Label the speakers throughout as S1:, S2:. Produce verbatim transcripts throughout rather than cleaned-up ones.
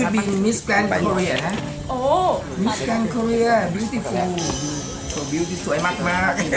S1: บินมิสแกรนด์โคเรียนะ
S2: โอ้
S1: มิสแกรนด์โคเรีย beautiful so beauty สวยมากมากๆ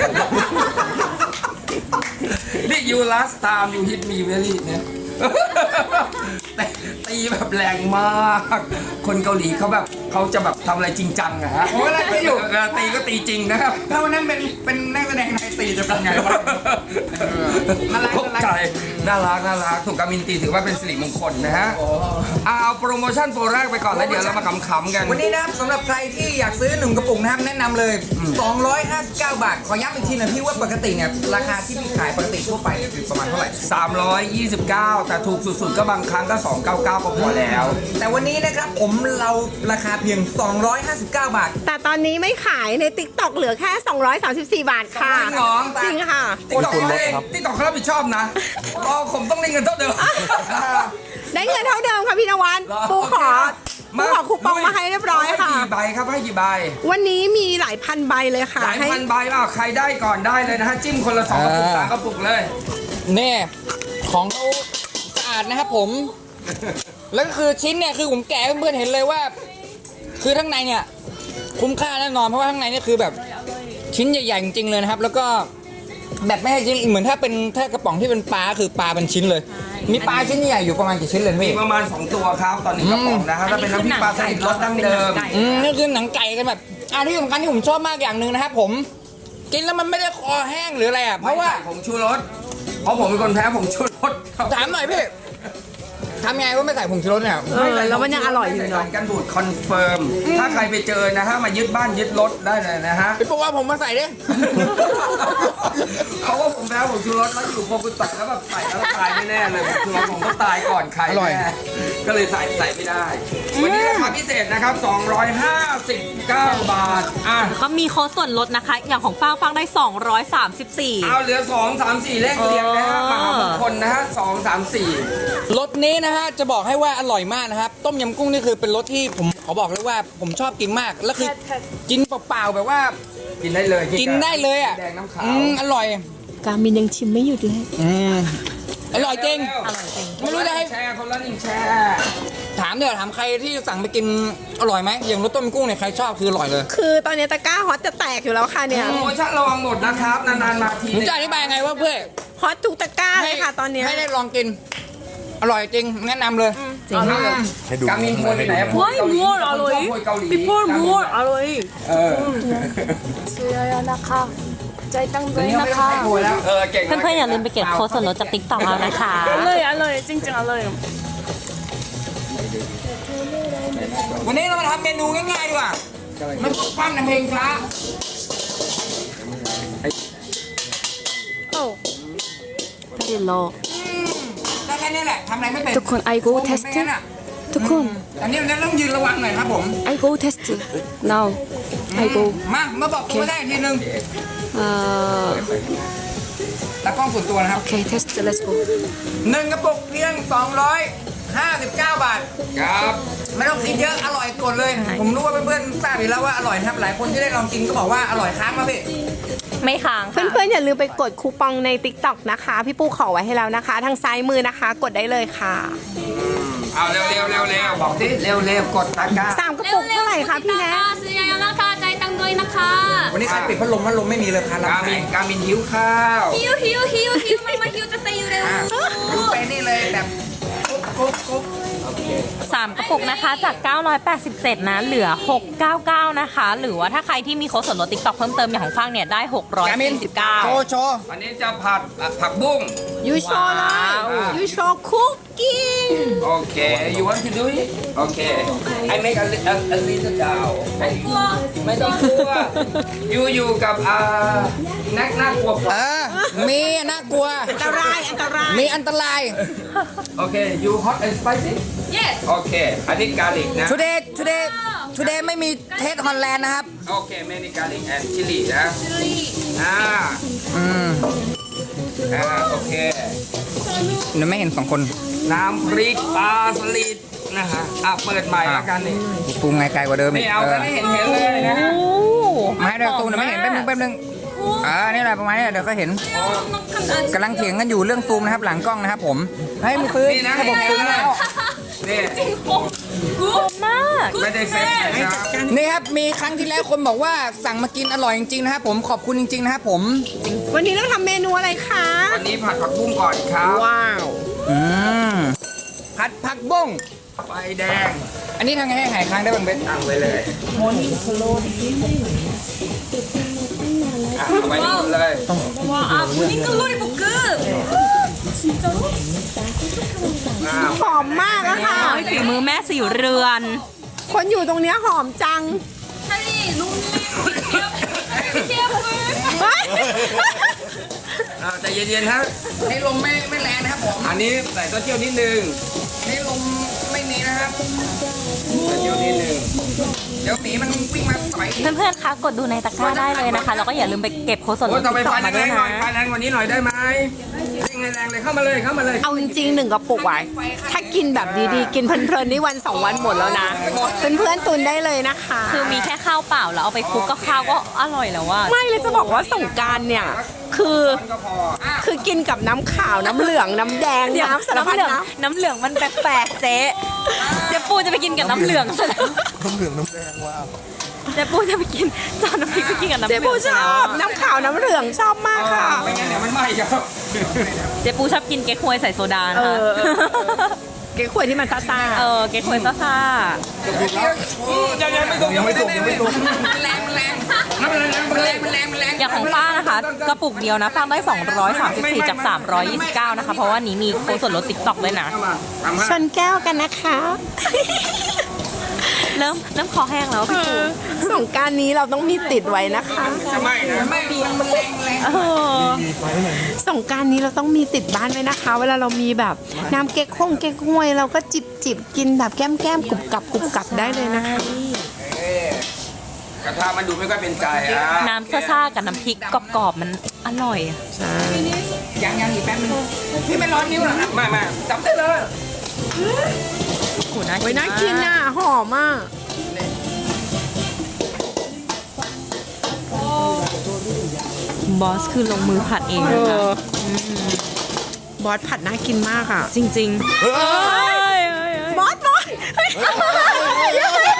S1: นี่ you last time you hit me very เนี่ยแต่ตีแบบแรงมาก คนเกาหลีเขาแบบเขาจะแบบทำอะไรจริงจังอะฮะ
S3: โอ้ยอะไรไม่อยู่
S1: เออตีก็ตีจริงนะครับ
S3: ถ้าวันนั้นเป็นเป็นนักแสดงไทยตีจะเป็นไงวะ น่ารัก
S1: ตกใจน่ารักน่ารักถูกกามินตีถือว่าเป็นสิริมงคลนะฮะเอาโปรโมชั่นโปรแรกไปก่อนแล้วเดี๋ยวเรามาขำๆกัน
S3: วันนี้นะครับสำหรับใครที่อยากซื้อหนึ่งกระปุกนะครับแนะนำเลย สองร้อยห้าสิบเก้า บาท ขอย้ำอีกทีหนะพี่ว่าปกติเนี่ยราคาที่พี่ขายปกติทั่วไปเนี่ยคือประมาณเท่าไหร่
S1: สามร้อยยี่สิบเก้า แต่ถูกสุดๆก็บางครั้งก็สองร้อยเก้าสิบเก้าก็พอแล้ว
S3: แต่วันนี้นะครับผมเราราคาเพียง สองร้อยห้าสิบเก้า บาท
S2: แต่ตอนนี้ไม่ขายใน ติ๊กต็อก เหลือแค่ สองร้อยสามสิบสี่ บาทค่ะ
S1: จริงเหรอ
S2: จริงค่ะ
S1: ติ๊กต็อกเขาเองติ๊กต็อกเขารับผิดชอบนะอ๋อผมต้องได้เงินเท่าเดิม
S2: ได้เงินเท่าเดิมค่ะพี่นวัด
S1: เหรอ
S2: ปูขอ
S1: โอเค
S2: ปูขอคูปองมาให้เรียบร้อยค่ะ
S1: ให้กี่ใบครับให้กี่ใบ
S2: วันนี้มีหลายพันใบเลยค่ะ
S1: หลาย
S2: ให้
S1: พันใบอ่ะใครได้ก่อนได้เลยนะฮะจิ้มคนละสองกระปุกสามกระปุกเลย
S4: เนี่ยของเขาสะอาดนะครับผม แล้วก็คือชิ้นเนี่ยคือผมแกะให้เพื่อนๆเห็นเลยว่า คือข้างในเนี่ยคุ้มค่าแน่นอนเพราะว่าข้างในเนี่ยคือแบบชิ้นใหญ่ๆจริงๆเลยนะครับ แล้วก็แบบไม่ให้ชิ้นเหมือนถ้าเป็นถ้ากระป๋องที่เป็นปลาคือปลาเป็นชิ้นเลย มีปลาชิ้นใหญ่อยู่ประมาณกี่ชิ้นเลย
S1: มี
S4: พี่
S1: ประมาณสองตัวครับตอนนี้กระป๋องนะฮะถ้าเป็นน้ำพริกปลาสลิดรสดั้งเดิม
S4: อืมนี่คือหนังไก่กันแบบอ่าที่สำคัญที่ผมชอบมากอย่างหนึ่งนะครับผมกินแล้วมันไม่ได้คอแห้งหรืออะไรอ่ะเพ
S1: เพราะ
S4: ราะ
S1: ว่า
S4: ว่า
S1: ผมชูรสเพราะผมเป็นคนแพ้ผมชูรส
S4: ถามหน่อยพี่ทำไงว่าไม่ใส่ผงชูรสเนี่ย
S2: เออแล้วมันยังอร่อยอยู่
S1: ไม่ใส่
S2: เนาะ
S1: สารกันบูดคอนเฟิร์มถ้าใครไปเจอนะฮะมายึดบ้านยึดรถได้เลยนะฮะ
S4: ไปบอกว่าผมมาใส่ดิ
S1: เพราะว่าผมแพ้ผมชูรสแล้วอยู่โปรกุตักแล้วแบบใส่แล้วตายแน่ๆเลยผมชูรสผมก็ตายก่อนใคร
S4: อร่อย
S1: แน่ก็เลยใส่ใส่ไม่ได้ วันนี้ราคาพิเศษนะครับ สองร้อยห้าสิบเก้า บาทอ่ะ
S5: ก็มีโค้ดส่วนลดนะคะ อย่างของฟ้างฟังได้ สองร้อยสามสิบสี่
S1: เอาเหลือสองสามสี่เลขเรียงนะฮะมหามงคลนะฮะสองสามสี่
S4: รสนี้นะฮะจะบอกให้ว่าอร่อยมากนะครับ ต้มยำกุ้งนี่คือเป็นรสที่ผมขอบอกเลยว่าผมชอบกินมากแล้วคือกินเปล่าๆแบบว่า
S1: กินได้เลย
S4: กินได้เลยอ่ะ
S1: แดงน้ำขาว
S4: อืมอร่อย
S2: กามินยังชิมไม่หยุดเลย
S4: อืมอร่อยจริง
S1: อร่อยจริง
S4: ไม่รู้จะให้
S1: แชร์คนละหนึ่งแชร์
S4: ถามเดี๋ยวถามใครที่สั่งไปกินอร่อยไหมอย่างรสต้มยำกุ้งเนี่ยใครชอบคืออร่อยเลย
S2: คือตอนนี้ตะกร้าฮอตจะแตกอยู่แล้วค่ะเนี่ย
S1: โปรโมชั่นระวังหมดนะครับนานๆมาที
S4: ผมจะอธิบายไงว่าเพื่อ
S2: ฮอตทุกตะกร้าเลยค่ะตอนเนี้ย
S4: ให้ได้ลองกิน อร่อยจริงแนะนำเลย
S2: จริง
S1: กามินโพยไปไหนอะโพย
S5: Why
S1: เกาหลี
S5: more
S1: คนชอบโพยเกาหลี
S5: People more อร่อย
S1: เออ
S5: ซื้อนะคะใจตั้ง
S1: ตอนนี้ไม่ต้องใช้โพยแล้วเออเก่งมาก
S5: เพื่อนๆอย่าลืมไปเก็บโค้ดส่วนลดจาก ติ๊กต็อก เอานะคะ
S2: อร่อยอร่อยจริงๆอร่อย
S4: วันนี้เรามาทำเมนูง่ายๆดีกว่าไม่ต้องปั้นน้ำเพลงช้า
S2: โอ้
S5: Very low
S4: ได้แค่นี้แหละทำอะไรไม่เป็น
S6: ทุกคน I go
S4: ผม
S6: test
S4: ไม่งั้นอะ
S6: ทุกคน
S4: อันนี้มันต้องยืนระวังหน่อยครับผม
S6: I go test now I go
S4: มา มาบอกตัวได้อีกทีนึง
S6: uh
S4: ตากล้องส่วนตัวนะครับ
S6: okay test let's go
S4: หนึ่งกระปุกเพียง สองร้อยห้าสิบเก้า บาท
S1: ครับ
S4: ไม่ต้องคิดเยอะ อร่อยกดเลย ผมรู้ว่าเพื่อนๆทราบอยู่แล้วว่าอร่อยนะครับ หลายคนที่ได้ลองกินก็บอกว่าอร่อยค้างมาพี่
S5: ไม่ค้าง
S2: เพื่อนๆอย่าลืมไปกดคูปองใน ติ๊กต็อก นะคะ พี่ปูขอไว้ให้แล้วนะคะ ทางซ้ายมือนะคะ กดได้เลยค่ะ
S1: เอาเร็วเร็วเร็วเร็วบอกสิเร็วเร็วกดตะกร้า
S2: สามกระปุกเท่าไหร่คะพี่แนท
S5: ซื้อเยอะๆนะคะใจตั้งด้วยนะคะ
S4: วันนี้ใครปิดพัดลมพัดลมไม่มีเลยค่ะรับ
S1: กามินกามินหิวข้าว
S5: ฮิวฮิวฮิวฮิวมันมาฮิวจะเตยอยู่เร็ว
S4: ดูไปนี่เลยแบบกุ๊บกุ๊บกุ๊บ
S5: สามกระปุกนะคะจาก เก้าร้อยแปดสิบเจ็ด นะ เหลือ หกร้อยเก้าสิบเก้า นะคะ หรือว่าถ้าใครที่มีโค้ดส่วนลด ติ๊กต็อก เพิ่มเติมอย่างของฟังเนี่ยได้ หกร้อย
S4: กามิน
S5: สี่สิบเก้า
S4: โชว์โชว์
S1: วันนี้จะผัดผักบุ้ง
S2: ยูโชว์เลยยูโชว์คุกกิ้ง
S1: โอเค you want to do it โอเค I make a, a, a little down ไม่ต้องกลัวอยู่อยู่กับอ่านักน่ากลัวก
S4: เอ
S1: ว่า
S4: อ มีน่ากลัว
S2: อันตรายอันตราย
S4: มีอันตราย
S1: โอเค you hot and spicy
S5: yes
S1: โอเค อันนี้กาลิกนะ
S4: today today today ไม่มีเทสฮอลแลนด์นะครับ
S1: โอเคเมนิกาลิกแอนชิลีนะ อ่า
S4: อืม
S1: อ่า โอเค
S4: หนูไม่เห็นสองคน
S1: น้ำพริกปลาสลิดนะฮะ อ่ะ เปิดใหม่แล้วกันนี่
S4: ปรุงไงไกลกว่าเดิมอี
S1: นี่
S4: ก
S1: เอากันให้เห็นเห็นเลยนะ
S5: โอ้
S4: มาให้เดี๋ยวตูนไม่เห็นแป๊บนึงแป๊บนึงอ่านี่แหละประมาณนี้เดี๋ยวก็เห็นกำลังเถียงกันอยู่เรื่องซูมนะครับ หลังกล้องนะครับผมให้มีซื้อ
S1: นี่นะ
S4: ระบบซูมแล้ว
S1: นี่
S5: มาก
S1: ไม่ได้เซ็ตนะครับ
S4: นี่ครับมีครั้งที่แล้วคนบอกว่าสั่งมากินอร่อยจริงๆนะครับผมขอบคุณจริงๆนะครับผม
S2: วันนี้เราทำเมนูอะไรคะ
S1: วันนี้ผัดผักบุ้งก่อนครับ
S2: ว้าว
S4: อืมผัดผักบุ้ง
S1: ไฟแดง
S4: อันนี้ทำไงให้หายค้างได้บ้างเบส
S1: ตั้งไว้เลยอ่ะเอาไว้นี่เลย
S5: ว้าว모닝 글로리 볶음
S1: อ้าว
S2: หอมมากอะค่ะ
S5: ฝีมือแม่สีเรือน
S2: คนอยู่ตรงเนี้ยหอมจัง
S5: 찰리 롱리 피아풀
S2: เฮ้ย
S1: อ้าวใจเย็นๆครับ
S3: นี่ลมไม่ไม่แรงนะครับผม
S1: อันนี้ใส่เต้าเจี้ยวนิดนึง
S3: นี่ลมไม่มีนะครับ
S1: เต้าเจี้ยวนิดนึง
S3: เดี๋ยวหมีมันวิ่งมาต่อย
S5: เพื่อนๆ คะกดดูในตะกร้าได้เลยนะคะ แล้วก็อย่าลืมไปเก็บโค้ดส่วนล
S1: โอ้
S5: ด
S1: ต่อไป
S5: ติ๊ก
S1: ไฟ
S5: ต็อกมา
S1: แร
S5: ด้วย
S1: งๆหน่
S5: นะ
S1: อยไฟแรงกว่านี้หน่อยได้ไหมเร่งแรงๆเลยเข้ามาเลยเข้ามาเลย
S2: เอาจริงๆหนึ่งกระปุกไว้ถ้ากินแบบดีๆ กินเพลินๆนี่วันสองวันหมดแล้วนะ เพื่อนๆตุนได้เลยนะคะ
S5: คือมีแค่ข้าวเปล่าแล้วเอาไปคลุกกับข้าวก็อร่อยแล้วว่า
S2: ไม่เลยจะบอกว่าสงกรารเนี่ย คือ
S1: ก็พอ
S2: คือกินกับน้ำขาวน้ำเหลืองน้ำแดง
S5: เดี๋ยว
S2: น้ำสาร
S5: น้ำ
S2: พัด
S5: เหลือง
S2: น้
S5: น้ำเหลืองมันแปลกๆเจ๊เจ๊ปูจะไปกินกับน้ำเหลืองซะแล้ว
S7: น้ำเหลืองน้ำแดงว้าว
S5: เจ๊ปูจะไปกินจานน้ำพริกไปกินกับ
S2: ำ
S5: น้ำ
S2: เจ๊
S5: เหลื
S2: ปู
S5: อง
S2: ช
S5: ซะ
S2: อ
S5: แล้ว
S2: บน้ำขาวน้ำเหลืองชอบมากค่ะ
S1: ไม่งั้นเดี๋ยวมันไหม้ครับ
S5: เจ๊ปูชอบกินเก๊กฮวยใส่โซดา
S2: เอ
S5: ค่ะ
S2: อ เก๊กขวยที่มันซ่า
S5: เออเก๊กฮวยซ่า
S1: ยังยังไม่สุกยังไม่สุกยังไม่สุก
S3: มันแรงมันแรงมันแรงมันแรงมันแรงมันแรง
S5: ๆอย่างของฟ้านะคะ กระปุกเดียวนะฟ้าได้ สองร้อยสามสิบสี่ จาก สามร้อยยี่สิบเก้า นะคะ เพราะว่านี้มีโค้ดส่วนลดติ๊กต็อกด้วยนะ
S1: เข้ามาทำ
S2: ๆ
S1: ให้
S2: ชนแก้วกันนะคะ
S5: เริ่มเริ่มคอแห้งแล้วพี่ปู
S2: สงกรารนี้เราต้องมีติดไว้นะคะ
S1: จะไหม้นะ
S3: ไม่มันแรงแรง
S5: เออ
S2: สงกรารนี้เราต้องมีติดบ้านไว้นะคะ เวลาเรามีแบบน้ำเก๊กฮ่งเก๊กฮวยเราก็จิบจิบกินแบบแก้มแก้มๆกรุบกรับกรุบกรับได้เลยนะคะ
S1: กระทะมันดูไม่ค่อยเป็นใจอ่ะ
S5: น้ำซ่าๆกับน้ำพริกกรอบๆมันอร่อยอะ
S3: ยังยังอีกแป๊บนึงพี่ไม่ร้อนนิ้วเหรอครับ
S1: ไม่ไม่จับได้เลย
S5: โอ้โหน่า
S2: ไว้
S5: กิน
S2: น่ากิน
S5: มาก
S2: อ่ะ หอมอ่ะ
S5: บอสคือลงมือผัดเองนะคะ
S2: บอสผัดน่ากินมากอ่ะ
S5: จริงๆเอ้ยเอ้ยเอ้ย
S2: บอสบอสเฮ้ย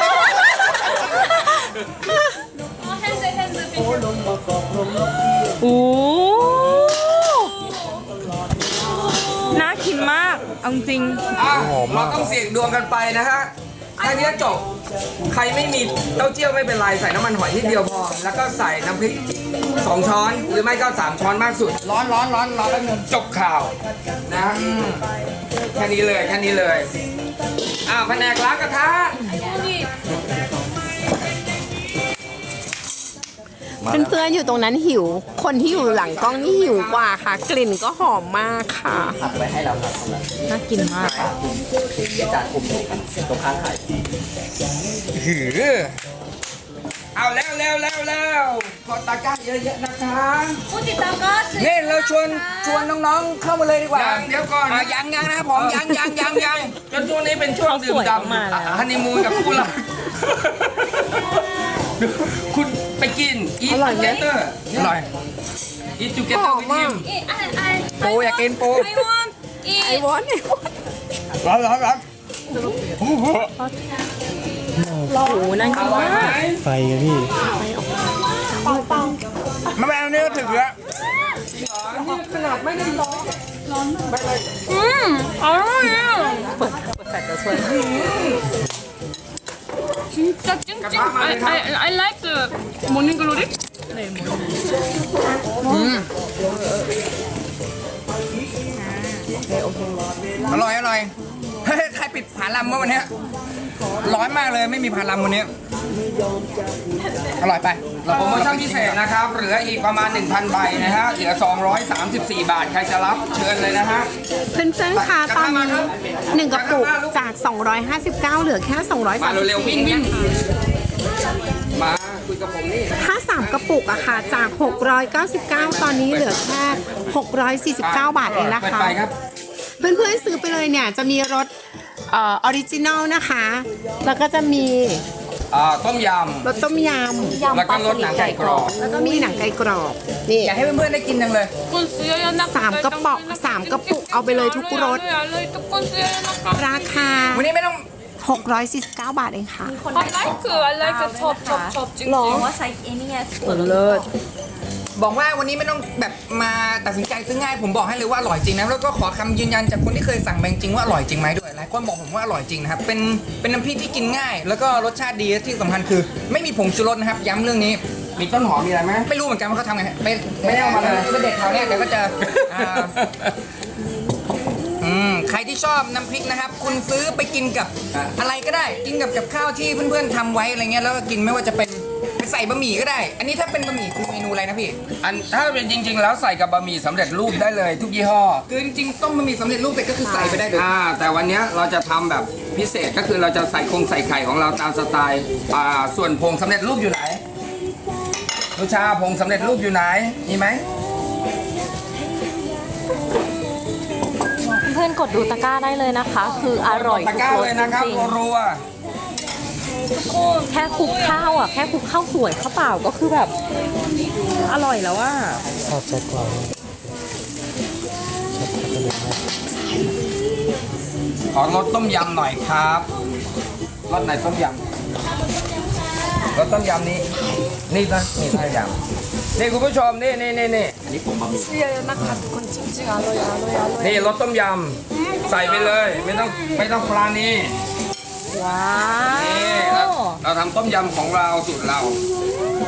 S5: โอ้น่ากินมาก เอาจริง
S1: อ่ะเราต้องเสี่ยงดวงกันไปนะฮะแค่นี้จบ ใครไม่มีเต้าเจี้ยวไม่เป็นไร ใส่น้ำมันหอยนิดเดียวพอ แล้วก็ใส่น้ำพริกสองช้อน หรือไม่ก็สามช้อนมากสุด
S3: ร้อนร้อนร้อนร้อนแป๊บนึง
S1: จบข่าวนะอืมแค่นี้เลยแค่นี้เลย อ้าวแผนกล้างกระทะ
S2: เพื่อนๆอยู่ตรงนั้นหิว คนที่อยู่หลังกล้องนี่หิวกว่าค่ะ กลิ่นก็หอมมากค่ะ
S5: น่ากินมาก
S1: หือเอาแล้วแล้วแล้วแล้วกดตะกร้าเยอะๆนะคะ
S3: นี่เราชวนชวนน้องๆเข้ามาเลยดีกว่า
S1: ยังเดี๋ยวก่อน
S3: อ่ะยังยังนะครับผมยังยังยังยัง
S1: จนช่วงนี้เป็นช่วงดื่ม
S5: เขาสวย
S1: ด่ำ
S5: มากๆแล้ว
S1: ฮันนีมูนกับคู่รักคุณไปกินอีทจูเกเตอร์
S3: อร่อย
S1: อีทจูเกเตอร์วิธี
S3: ปูอยากกินปู
S2: ไอ้บอสไอ้บอส
S3: ร้อนร้อนร้อน
S5: โอ้โหน่ากินมาก
S7: ไฟกันพี่
S3: มาแมวนี่ก็ถึงแล้ว
S5: อืมอร่อยอ่ะเปิดเปิดแฟลชจะช่วย
S8: 진짜 찡찡. I, I, I like the morning glory.
S3: อร่อยอร่อยเฮ้ยใครปิดผาลำเมื่อวันเนี้ยร้อนมากเลยไม่มีผาลำวันนี้อร่อยไป
S1: โปรโมชั่นพิเศษนะครับ เหลืออีกประมาณ หนึ่งพัน ใบนะฮะ เหลือ สองร้อยสามสิบสี่ บาท ใครจะรับเชิญเลยนะฮะ
S2: เพื่อนๆค่ะตอนนี้หนึ่งกระปุกจาก สองร้อยห้าสิบเก้า เหลือแค่ สองร้อย
S1: มา
S2: สามสิบ
S1: เร็วๆ
S2: สี่
S1: วิ่งวิ่ง
S2: นะคะ
S1: มาคุยกับผมนี่
S2: ถ้าสามกระปุกอะค่ะจาก หกร้อยเก้าสิบเก้า ตอนนี้เหลือแค่ หกร้อยสี่สิบเก้า บาทเองนะ
S1: เปิด
S2: คะ
S1: ไฟครับ
S2: เพื่อนๆซื้อไปเลยเนี่ยจะมีรสเออออริจินอลนะคะ แล้วก็จะมี
S1: อ่าต้มย
S2: รสต้มย
S1: ำแล้วก็รสหนังไก่กรอบ
S2: ำแล้วก็มีหนังไก่กรอบนี่
S3: อยากให้เพื่อนๆได้กินจังเลย
S8: ทุกคนซื้อเยอะๆนะคะ
S2: สามกระป๋องสามกระปุกเอาไปเลยทุกรส
S8: อร่อยๆทุกคนซื้อเยอะๆนะคะ
S2: ราคา
S3: วันนี้ไม่ต้อง
S2: หกร้อยสี่สิบเก้า บาทเองค่ะ
S8: I like I like ชอบชอบชอบจริง
S5: หรอ
S8: ๆ
S5: ว่าใช้เอนี่ไง
S2: เลิศ
S3: บอกว่าวันนี้ไม่ต้องแบบมาตัดสินใจซื้อง่ายผมบอกให้เลยว่าอร่อยจริงนะแล้วก็ขอคำยืนยันจากคนที่เคยสั่งมาจริงๆว่าอร่อยจริงไหมด้วยหลายคนบอกผมว่าอร่อยจริงนะครับเป็นเป็นน้ำพริกที่กินง่าย แล้วก็รสชาติดีที่สำคัญคือ ไม่มีผงชูรสนะครับย้ำเรื่องนี้
S1: มีต้นหอมมีอะไรไหม
S3: ไม่รู้เหมือนกันว่าเขาทำไงไม่
S1: ไม่ได้เอามาเลย
S3: เป็นเด็กแถวเนี้ยเดี๋ยวก็จะอ่าอืมใครที่ชอบน้ำพริกนะครับ คุณซื้อไปกินกับอะไรก็ได้ กินกับกับข้าวที่เพื่อนๆทำไว้อะไรเงี้ยแล้วก็กินไม่ว่าจะเป็นไปใส่บะหมี่ก็ได้ อันนี้ถ้าเป็นบะหมี่คือเมนูอะไรนะพี่
S1: อันถ้าเป็นจริง ๆ แล้วใส่กับบะหมี่สำเร็จรูปได้เลยทุกยี่ห้อ
S3: คือจริงๆต้มบะหมี่สำเร็จรูปเสร็จก็คือใส่ไปได้เลย
S1: อ่าแต่วันเนี้ยเราจะทำแบบพิเศษก็คือเราจะใส่คงใส่ไข่ของเราตามสไตล์อ่าส่วนผงสำเร็จรูปอยู่ไหนลูชาผงสำเร็จรูปอยู่ไหนมีไหม
S5: เพื่อนๆกดดูตะกร้าได้เลยนะคะ คืออร่อย
S1: ตะ
S5: ทุ
S1: กร้าร
S5: ส
S1: เลยนะครับ
S5: จริง
S1: รัว
S5: ๆแค่คลุกข้าวอ่ะแค่คลุกข้าวสวยข้าวเปล่าก็คือแบบอร่อยแล้วอ่ะ
S7: ชอบแซ่บกว่าชอบแซ่บกว่าเลยนะ
S1: ๆขอรสต้มยำหน่อยครับรสไหนต้มยำรสต้มยำนี้นี่นะนี่ต้มยำนี่คุณผู้ชมนี่นี่นี่นี่
S8: ซื้อเยอะๆนะคะทุกคนจริงๆอร่อยอร่อยอร่อย
S1: นี่รสต้มยำใส่ไปเลย ไม่ต้องไม่ต้องปลานี่
S5: ว้า
S1: นี่
S5: ว
S1: เราเราทำต้มยำของเราสูตรเรา
S5: ว